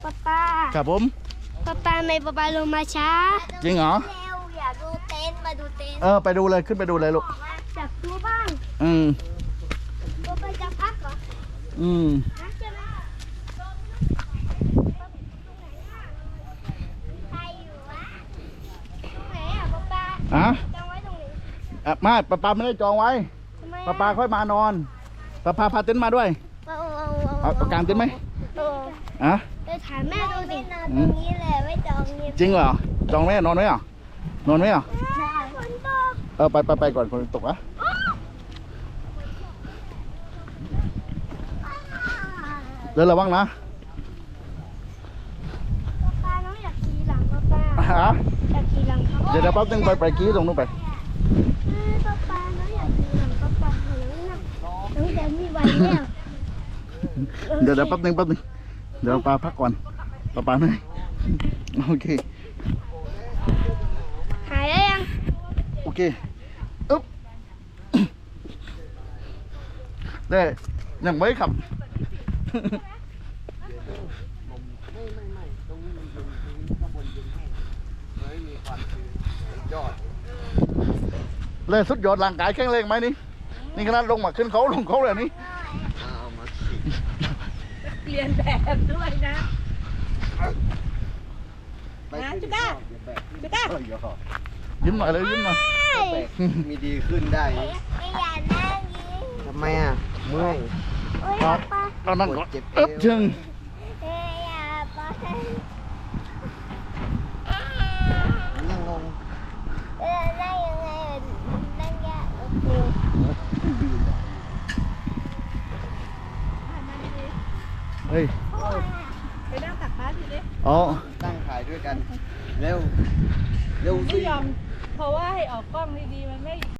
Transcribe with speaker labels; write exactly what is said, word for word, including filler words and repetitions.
Speaker 1: ป๊าป๊า
Speaker 2: ครับผม
Speaker 1: ป๊าป๊าไม่ป๊าป๊าลงมาช้า
Speaker 2: จริงเหรอ
Speaker 1: เร็วอยากดูเต็นท์มาดูเต็นท์
Speaker 2: เออไปดูเลยขึ้นไปดูเลยลูก
Speaker 1: อยากดูบ้าง
Speaker 2: อืม
Speaker 1: ป๊าป๊าจะพักเหรอ
Speaker 2: อืม
Speaker 1: พักใช่ไหมใครอยู่วะตรงไหนอ่ะป๊าป๊า
Speaker 2: อ่ะ
Speaker 1: จองไว้ตรงนี้
Speaker 2: อ่ะมาป้าปาไม่ได้จองไว้
Speaker 1: ทำไม
Speaker 2: ป้าปาค่อยมานอนป้าปาพาเต็นท์มาด้วย
Speaker 1: เอาเอา
Speaker 2: เอาเอากางเต็นท์ไหม
Speaker 1: เอา
Speaker 2: อ่ะ
Speaker 1: เดี๋ยวถามแม่ดูสินอนตรงนี้แหละไม่จองนี่
Speaker 2: จริงเหรอจองไหมนอนไหมอ่ะนอนไหมอ่ะ
Speaker 1: ฝนตก
Speaker 2: เออไปไปไปก่อนคนตกอ่ะเดินระวังนะ
Speaker 1: ป๊าป๊าน้องอยากขี่หลังป๊าป๊า
Speaker 2: อ่ะ
Speaker 1: อยากขี่หลังเขา
Speaker 2: เดี๋ยวเดี๋ยวแป๊บนึงไปไปกี้ตรงนู้นไป
Speaker 1: เออป๊าป๊าน้องอยากขี่หลังป๊าป๊าหนูนะน้องจะไม่ไหวแล้ว
Speaker 2: เดี๋ยวเดี๋ยวแป๊บนึงแป๊บนึงเดี๋ยวปาพักก่อนปาปาเหนื่อยโอเค
Speaker 1: หายแล้วยัง
Speaker 2: โอเคอึ๊บได้ยังไม่ขับ เลยสุดยอดร่างกายแข็งแรงไหมนี่นี่ขนาดลงมาขึ้นเขาลงเขาเลยนี่
Speaker 3: เรียนแบบด้วยนะนะจุก้าจุก้า
Speaker 2: ยิ้มหน่อยเลยยิ้มหน่อย
Speaker 4: มีดีขึ้นได้
Speaker 1: ไม่อยากนั่งยิง
Speaker 4: ทำไมอ่ะ เมื่อย
Speaker 1: โอ้ย
Speaker 2: ครับ
Speaker 1: ป๊า
Speaker 2: เอานั่งก่อน
Speaker 4: เจ็บเอว
Speaker 2: อึ๊บชึง
Speaker 1: เอ้ยอย่าป๊า
Speaker 4: นั่งลง
Speaker 1: เออนั่งยังไงนั่งยากโอเค
Speaker 2: เฮ้ย
Speaker 3: ไปนั่งตักฟ้าทีนี้
Speaker 2: อ๋อ
Speaker 4: ตั้งถ่ายด้วยกัน เร็ว เร็ว
Speaker 3: ไม่
Speaker 4: สิ
Speaker 3: ยอมเพราะว่าให้ออกกล้องดีๆมันไม่